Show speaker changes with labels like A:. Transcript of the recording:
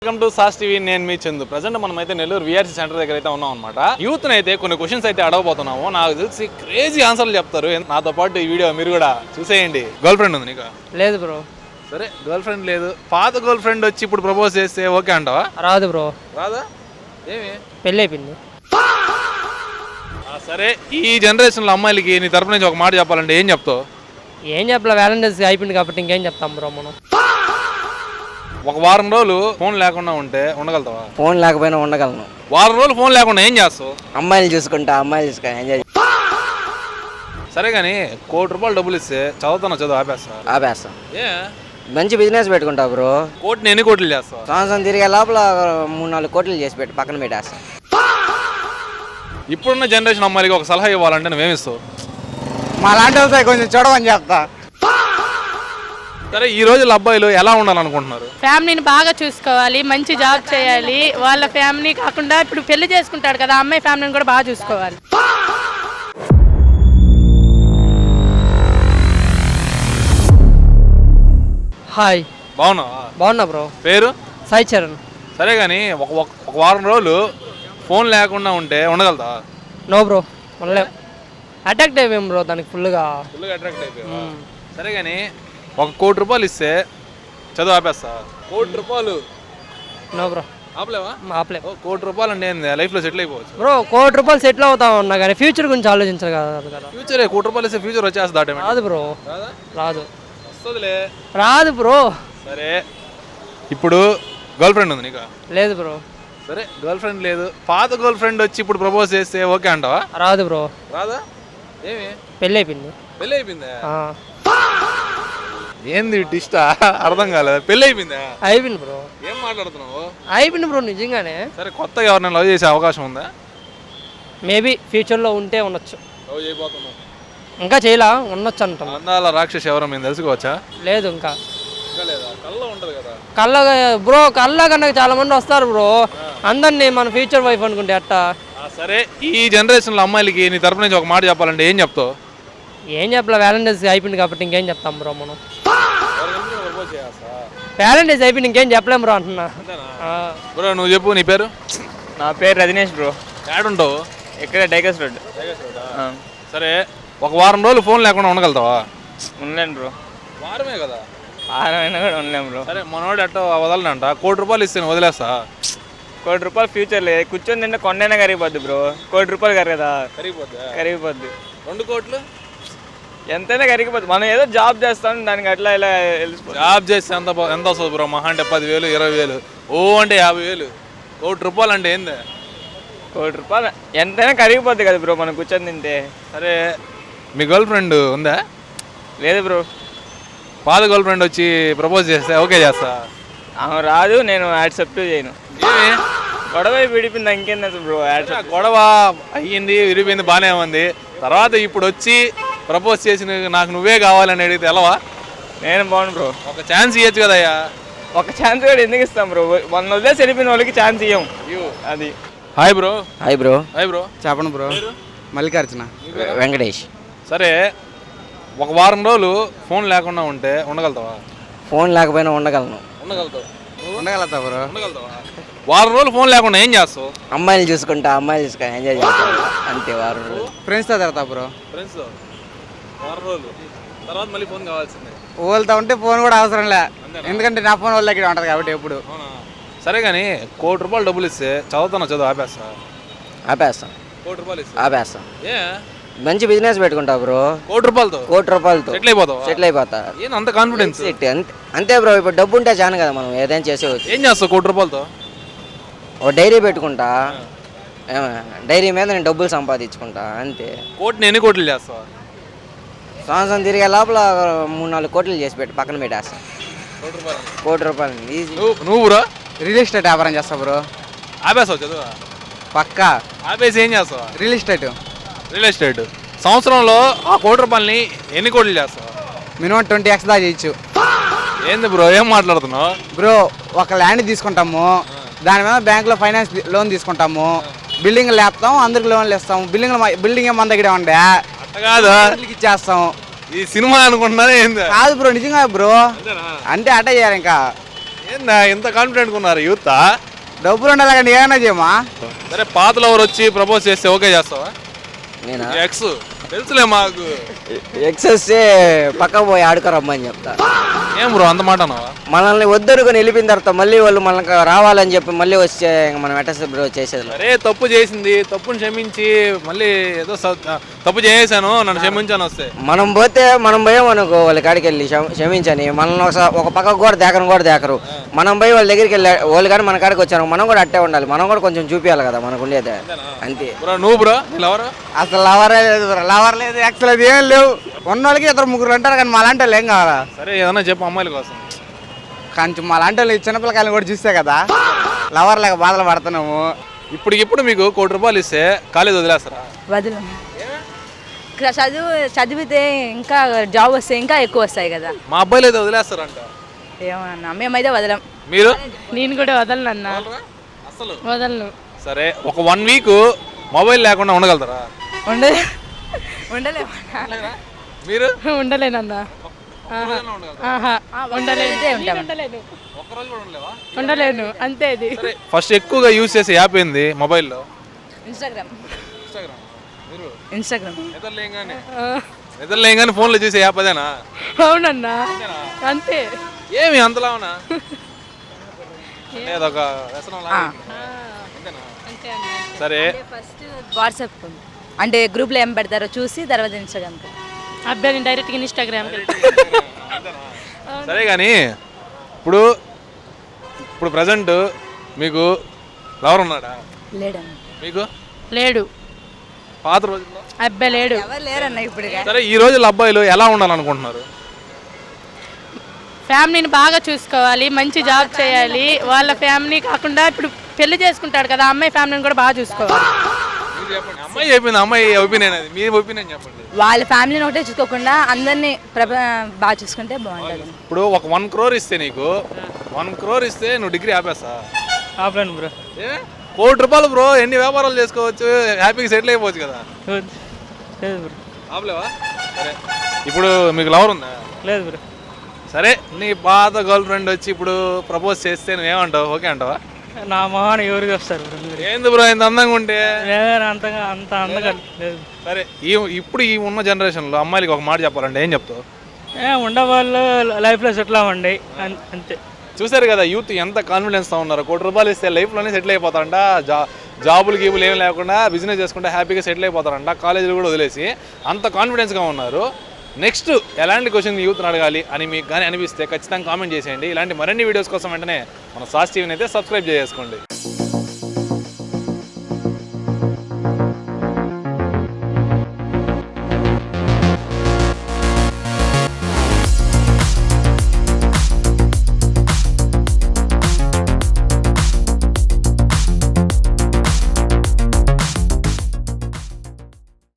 A: Welcome to sauce TV. నేను మీ Chandu. Present మనం అయితే నెల్లూరు విఆర్సీ సెంటర్ దగ్గర అయితే ఉన్నాం అనమాట. యూత్ అయితే కొన్ని క్వశ్చన్స్ అయితే అడగబోతున్నాము. నాకు తెలిసి క్రేజీ ఆన్సర్లు చెప్తారు. నాతో పాటు ఈ వీడియో మీరు కూడా చూసేయండి. గర్ల్ ఫ్రెండ్ ఉంది నీకు?
B: లేదు బ్రో.
A: సరే, గర్ల్ ఫ్రెండ్ లేదు. పాత గర్ల్ ఫ్రెండ్ వచ్చి ఇప్పుడు ప్రపోజ్ చేస్తే ఓకే అంటావా?
B: రాదు బ్రో.
A: రాదా? ఏమి?
B: పెళ్ళి అయిపోయింది.
A: సరే, ఈ జనరేషన్లో అమ్మాయిలకి నీ తరపు నుంచి ఒక మాట చెప్పాలంటే ఏం చెప్తావు?
B: ఏం చెప్పలే, వ్యాలంటైన్స్ అయిపోయింది కాబట్టి ఇంకేం చెప్తాం బ్రో మనం.
A: ఒక వారం రోజులు ఫోన్ లేకుండా ఉంటే ఉండగలుగుతావా?
C: ఫోన్ లేకపోయినా ఉండగలను.
A: వారం రోజులు ఫోన్ లేకుండా ఏం చేస్తావు?
C: అమ్మాయిలు చూసుకుంటా, అమ్మాయిలు చూసుకుంటా ఎంజాయ్.
A: సరే కానీ ₹1,00,00,000 డబ్బులు ఇస్తే చదువు
C: ఆపేస్తాం.
A: ఏ
C: మంచి బిజినెస్ పెట్టుకుంటా బ్రో.
A: కోటిని ఎన్ని కోట్లు చేస్తావు?
C: సంవత్సరం తిరిగే లోపల 3-4 కోట్లు చేసి పెట్టి పక్కన పెట్టేస్తాం.
A: ఇప్పుడున్న జనరేషన్ అమ్మాయిలకి ఒక సలహా ఇవ్వాలంటే నువ్వేమిస్తావు?
C: మా లాంటి వాళ్ళతో కొంచెం చూడమని చెప్తా.
A: సరే, ఈ రోజుల్లో అబ్బాయిలు ఎలా ఉండాలనుకుంటున్నారు?
D: ఫ్యామిలీని బాగా చూసుకోవాలి, మంచి జాబ్ చేయాలి. వాళ్ళ ఫ్యామిలీ కాకుండా ఇప్పుడు పెళ్లి చేసుకుంటాడు కదా, అమ్మాయి ఫ్యామిలీని కూడా బాగా చూసుకోవాలి.
B: హాయ్.
A: బాగున్నా
B: బ్రో.
A: పేరు?
B: సాయి చరణ్.
A: సరే కానీ ఒక వారం రోజులు ఫోన్ లేకుండా ఉంటే ఉండగలుగుతావా?
B: నో బ్రో, ఉండలేం. అటాక్ట్ అయిపోయాం బ్రో దానికి ఫుల్గా
A: అట్రాక్ట్ అయిపోయావా? సరే కానీ ₹1,00,00,000 ఇస్తే చదువు ఆపేస్తా? ₹1,00,00,000
B: నో బ్రో.
A: ఆపలేవా?
B: ఆపలేం.
A: ₹1,00,00,000 అంటే ఏంది? లైఫ్లో సెటిల్ అయిపోవచ్చు
B: బ్రో. ₹1,00,00,000 సెటిల్ అవుతా ఉన్నా కానీ ఫ్యూచర్ గురించి ఆలోచించాలి కదా.
A: ఫ్యూచర్ ₹1,00,00,000 ఇస్తే ఫ్యూచర్ వచ్చేస్తా?
B: రాదు బ్రో. రాదు.
A: వస్తుందిలే.
B: రాదు బ్రో.
A: సరే, ఇప్పుడు గర్ల్ ఫ్రెండ్ ఉంది నీకు?
B: లేదు బ్రో.
A: సరే, గర్ల్ ఫ్రెండ్ లేదు. పాత గర్ల్ ఫ్రెండ్ వచ్చి ఇప్పుడు ప్రపోజ్ చేస్తే ఓకే అంటావా?
B: రాదు బ్రో.
A: రాదా? ఏమి?
B: పెళ్ళి అయిపోయింది.
A: పెళ్ళి అయిపోయిందా? ఏంది టిస్టా? అర్థం కాలేదు. పెళ్ళి అయిపోయిందా?
B: అయిపోయింది బ్రో.
A: ఏం మాట్లాడుతున్నావు?
B: అయిపోయింది బ్రో నిజంగానే.
A: సరే, కొత్తగా ఎవరినైనా లవ్ చేసే అవకాశం ఉందా?
B: మేబీ ఫ్యూచర్లో ఉంటే ఉండొచ్చు.
A: లవ్ చేయబోతున్నావు?
B: ఇంకా చేయలా, ఉండొచ్చు అంటాం.
A: అందాల రాక్షసి ఎవరో మేము తెలుసుకోవచ్చా?
B: లేదు ఇంకా.
A: లేదా? కళ్ళ ఉంటుంది కదా.
B: కళ్ళ కన్నా చాలా మంది వస్తారు బ్రో. అందరినీ మన ఫ్యూచర్ వైఫ్ అనుకుంటే అట్టా.
A: సరే, ఈ జనరేషన్లో అమ్మాయిలకి నీ తరపు నుంచి ఒక మాట చెప్పాలంటే ఏం చెప్తావు?
B: ఏం చెప్పలే, వ్యాలంటైన్స్ అయిపోయింది కాబట్టి ఇంకేం చెప్తాం బ్రో మనం. వ్యాలంటైన్స్ అయిపోయింది ఇంకేం చెప్పలేం బ్రో అంటున్నా.
A: బ్రో నువ్వు చెప్పు, నీ పేరు?
E: నా పేరు రజనీష్ బ్రో.
A: ఏడుంటావు?
E: ఇక్కడ డైగస్ రోడ్.
A: సరే, ఒక వారం రోజులు ఫోన్ లేకుండా ఉండగలుగుతావా?
E: ఉండలేను బ్రో.
A: వారమే కదా.
E: వారమైనా కూడా ఉండలేము బ్రో.
A: సరే, మనోడు ఎట్టో వదలనంట. ₹1,00,00,000 ఇస్తే వదిలేస్తా?
E: ₹1,00,00,000 ఫ్యూచర్ లేదు. కూర్చొని తింటే కొండైనా కరిగిపోద్ది బ్రో. ₹1,00,00,000 కరగదా? కరిగిపోద్ది.
A: 2 కోట్లు
E: ఎంతైనా కరిగిపోద్ది. మనం ఏదో జాబ్ చేస్తాం, దానికి అట్లా ఇలా వెళ్ళిపోతుంది.
A: జాబ్ చేస్తే ఎంత వస్తుంది బ్రో? మహా అంటే 10,000 20,000. ఓ అంటే 50,000. ₹1,00,00,000 అంటే ఏంది?
E: ₹1,00,00,000 ఎంతైనా కరిగిపోద్ది కదా బ్రో మనం కూర్చొని తింటే.
A: సరే, మీ గర్ల్ ఫ్రెండ్ ఉందా?
E: లేదు బ్రో.
A: పాత గర్ల్ ఫ్రెండ్ వచ్చి ప్రపోజ్ చేస్తే ఓకే చేస్తా?
E: రాదు, నేను యాక్సెప్ట్ చేయను. గొడవ విడిపోయింది, ఇంకేంది బ్రో?
A: గొడవ అయ్యింది, విరిపోయింది, బాగానే ఉంది. తర్వాత ఇప్పుడు వచ్చి ప్రపోజ్ చేసి నాకు నువ్వే కావాలని అడిగితే ఎలావా?
E: నేను బాగుండు బ్రో.
A: ఒక ఛాన్స్ ఇవ్వచ్చు కదయ్యా.
E: ఒక ఛాన్స్ కూడా ఎందుకు ఇస్తాం బ్రో? మన వదిలేసి వెళ్ళిపోయిన వాళ్ళకి ఛాన్స్ ఇవ్వం. అది.
A: Hi bro.
C: Hi bro.
A: Hi bro.
C: చెప్పండి బ్రో. మల్లికార్జున. వెంకటేష్.
A: సరే, ఒక వారం రోజులు ఫోన్ లేకుండా ఉంటే ఉండగలుగుతావా?
C: ఫోన్ లేకపోయినా ఉండగలను.
A: ఉండగలుగుతా బ్రో. వారం రోజులు ఫోన్ లేకుండా ఏం చేస్తావు?
C: అమ్మాయిలు చూసుకుంటా, అమ్మాయిలు చూసుకుంటా ఎంజాయ్ చేస్తాం. అంతే. వారం రోజులు
F: ఫ్రెండ్స్తో తిరుగుతా బ్రో.
A: ఫ్రెండ్స్తో వారం రోజులు తర్వాత మళ్ళీ ఫోన్ కావాల్సిందే.
F: వాళ్ళతో ఉంటే ఫోన్ కూడా అవసరం లే, ఎందుకంటే నా ఫోన్ వాళ్ళ దగ్గర ఉంటుంది కాబట్టి ఎప్పుడు.
A: సరే కానీ ₹1,00,00,000 డబ్బులు ఇస్తే చదువు ఆపేస్తా?
C: ఆపేస్తాం.
A: ₹1,00,00,000 ఇస్తే
C: ఆపేస్తాం.
A: ఏ
C: మంచి బిజినెస్ పెట్టుకుంటా బ్రో.
A: ₹1,00,00,000
C: సెటిల్ అయిపోతా.
A: ఏం అంత కాన్ఫిడెన్స్?
C: అంతే బ్రో. ఇప్పుడు డబ్బు ఉంటే చాలు కదా మనం ఏదైనా చేసేవచ్చు.
A: ఏం చేస్తావు ₹1,00,00,000తో?
C: ఒక డైరీ పెట్టుకుంటా. డైరీ మీద నేను డబ్బులు సంపాదించుకుంటా అంతే.
A: కోటిని ఎన్ని కోట్లు చేస్తావా?
C: సంవత్సరం తిరిగే లోపల 3-4 కోట్లు చేసి పెట్టి పక్కన పెట్టేస్తాం. ₹1,00,00,000 ఈజీ.
A: నువ్వు బ్రో?
F: రియల్ ఎస్టేట్ వ్యాపారం చేస్తా బ్రో.
A: ఆపేస్తావు చదువు?
F: పక్కా.
A: ఆపేసి ఏం చేస్తావా?
F: Real estate.
A: సంవత్సరంలో ఆ ₹1,00,00,000 ఎన్ని కోట్లు చేస్తావా?
F: మినిమం 20x దాకా చేయొచ్చు.
A: ఏంది బ్రో, ఏం మాట్లాడుతున్నావు?
F: బ్రో, ఒక ల్యాండ్ తీసుకుంటాము, దాని మీద బ్యాంకులో ఫైనాన్స్ లోన్ తీసుకుంటాము, బిల్డింగ్ లేపుతాం, అందరికి లోన్లు ఇస్తాము. బిల్డింగ్ మన దగ్గర ఉండే
A: కాదు
F: ఇచ్చేస్తాం.
A: ఈ సినిమా అనుకుంటున్నారా ఏంది?
F: కాదు బ్రో, నిజంగా బ్రో. అంటే అట్ట చేయాలి ఇంకా.
A: ఏందా ఇంత కాన్ఫిడెంట్గా ఉన్నారు యూత్?
F: డబ్బులు ఉండాలి కానీ ఏమైనా చేయమా.
A: సరే పాత లవర్ వచ్చి ప్రపోజ్ చేస్తే ఓకే చేస్తావా?
C: నేనా
A: ఎక్స్ తెలుసులే మాకు.
C: ఎక్సెస్ పక్క పోయి ఆడుకోరమ్మని చెప్తా.
A: ఏం బ్రో అంత మాట అన్నావా?
C: మనల్ని వద్దనుకొని వెళ్ళిపోయిన తర్వాత మళ్ళీ వాళ్ళు మనకు రావాలని చెప్పి మళ్ళీ వస్తే మనం ఎట్ట బ్రో చేసేది.
A: అరే తప్పు చేసింది, తప్పుని క్షమించి మళ్ళీ ఏదో తప్పు చేసాను నన్ను క్షమించాను వస్తే
C: మనం పోయాం అనుకో వాళ్ళ కాడికి వెళ్ళి క్షమించని మనల్ని ఒక పక్క కూడా దేకరు. మనం పోయి వాళ్ళ దగ్గరికి వెళ్ళి వాళ్ళు కానీ మన కాడికి వచ్చాను మనం కూడా అట్టే ఉండాలి. మనం కూడా కొంచెం చూపించాలి కదా మనకు ఉండేది. అంతే
A: బ్రో. నువ్వు బ్రో లవర్?
F: అసలు లవరే లేదు బ్రో, లవర్ లేదు, ఎక్స్ లేదు, ఏం లేవు. ఉన్న వాళ్ళకి 2-3 అంటారు కానీ మా లాంటి వాళ్ళు ఏం కావాలా?
A: సరే ఏదన్నా చెప్పు అమ్మాయిల కోసం.
F: కొంచెం మా లాంటి వాళ్ళు చిన్నపిల్లకాయలు కూడా చూస్తే కదా లవర్ లేక బాధలు పడుతున్నాము.
A: ఇప్పుడు మీకు ₹1,00,00,000 ఇస్తే కాలేజ్ వదిలేస్తారా?
G: వదలం. చదివితే ఇంకా జాబ్ వస్తే ఇంకా ఎక్కువ వస్తాయి కదా.
A: మా అబ్బాయిలు అయితే వదిలేస్తారంట.
G: ఏమన్నా మేమైతే వదలం.
A: మీరు?
D: నేను కూడా వదలను అన్న,
A: అసలు
D: వదలను.
A: సరే ఒక 1 వీక్ మొబైల్ లేకుండా ఉండగలుగుతారా?
G: ఉండలేమన్నా.
A: మీరు?
D: ఉండలేనన్నా. ఉండలేను అంతే. అది
A: ఫస్ట్ ఎక్కువగా యూజ్ చేసే యాప్ ఏంది మొబైల్లో?
G: ఇన్స్టాగ్రామ్.
A: నిద్రలేగానే ఫోన్లో చూసే యాప్ అదేనా?
D: అవునన్నా అంతే.
A: ఏమి అంతలావునా? అదొక వ్యసనం లాగా. సరే
G: ఫస్ట్ వాట్సాప్ అంటే గ్రూప్లో ఏం పెడతారో చూసి తర్వాత ఇన్స్టాగ్రామ్.
D: అబ్బాయి నేను డైరెక్ట్గా ఇన్స్టాగ్రామ్.
A: సరే కానీ ఇప్పుడు ప్రజెంట్ మీకు లవర్ ఉన్నాడా?
G: లేడన్న.
A: మీకు?
D: లేడు.
A: పాత రోజుల్లో
D: అబ్బాయి లేడు.
G: ఎవరు లేరన్న ఇప్పుడు.
A: సరే ఈ రోజుల్లో అబ్బాయిలు ఎలా ఉండాలనుకుంటున్నారు?
D: ఫ్యామిలీని బాగా చూసుకోవాలి, మంచి జాబ్ చేయాలి. వాళ్ళ ఫ్యామిలీ కాకుండా ఇప్పుడు పెళ్లి చేసుకుంటాడు కదా అమ్మాయి ఫ్యామిలీని కూడా బాగా చూసుకోవాలి.
A: అమ్మాయి చెప్పింది, అమ్మాయి ఒపీనియన్ అది, మీ ఒపీనియన్ చెప్పండి.
G: వాళ్ళ ఫ్యామిలీని ఒకటే చూసుకోకుండా అందరినీ బాగా చూసుకుంటే బాగుంటుంది.
A: ఇప్పుడు ఒక 1 crore ఇస్తే నీకు 1 crore ఇస్తే నువ్వు డిగ్రీ ఆపేస్తా?
E: Offline bro.
A: ₹1,00,00,000 బ్రో, ఎన్ని వ్యాపారాలు చేసుకోవచ్చు, హ్యాపీగా సెటిల్ అయిపోవచ్చు కదా.
E: లేదు బ్రో.
A: ఆపలేవా? సరే ఇప్పుడు మీకు లవర్ ఉందా?
E: లేదు బ్రో.
A: సరే నీ పాత గర్ల్ ఫ్రెండ్ వచ్చి ఇప్పుడు ప్రపోజ్ చేస్తే నువ్వేమంటావు? ఓకే అంటావా?
E: నా మొహాన్ని ఎవరికి వస్తారు బ్రో?
A: ఏంది బ్రో ఇంత అందంగా ఉంటే?
E: అంత అందంగా లేదు.
A: సరే ఇప్పుడు ఈ ఉన్న జనరేషన్లో అమ్మాయిలకి ఒక మాట చెప్పాలంటే ఏం చెప్తావు?
E: ఉండేవాళ్ళు లైఫ్లో సెటిల్ అవ్వండి అంతే.
A: చూసారు కదా యూత్ ఎంత కాన్ఫిడెన్స్తో ఉన్నారు. ₹1,00,00,000 ఇస్తే లైఫ్లోనే సెటిల్ అయిపోతారంట. జాబులు గీబులు ఏం లేకుండా బిజినెస్ చేసుకుంటే హ్యాపీగా సెటిల్ అయిపోతారంట. కాలేజీలు కూడా వదిలేసి అంత కాన్ఫిడెన్స్గా ఉన్నారు. నెక్స్ట్ ఎలాంటి క్వశ్చన్ యూత్ని అడగాలి అని మీకు కానీ అనిపిస్తే ఖచ్చితంగా కామెంట్ చేసేయండి. ఇలాంటి మరిన్ని వీడియోస్ కోసం వెంటనే మన సాస్ టీవీని అయితే సబ్స్క్రైబ్ చేసుకోండి.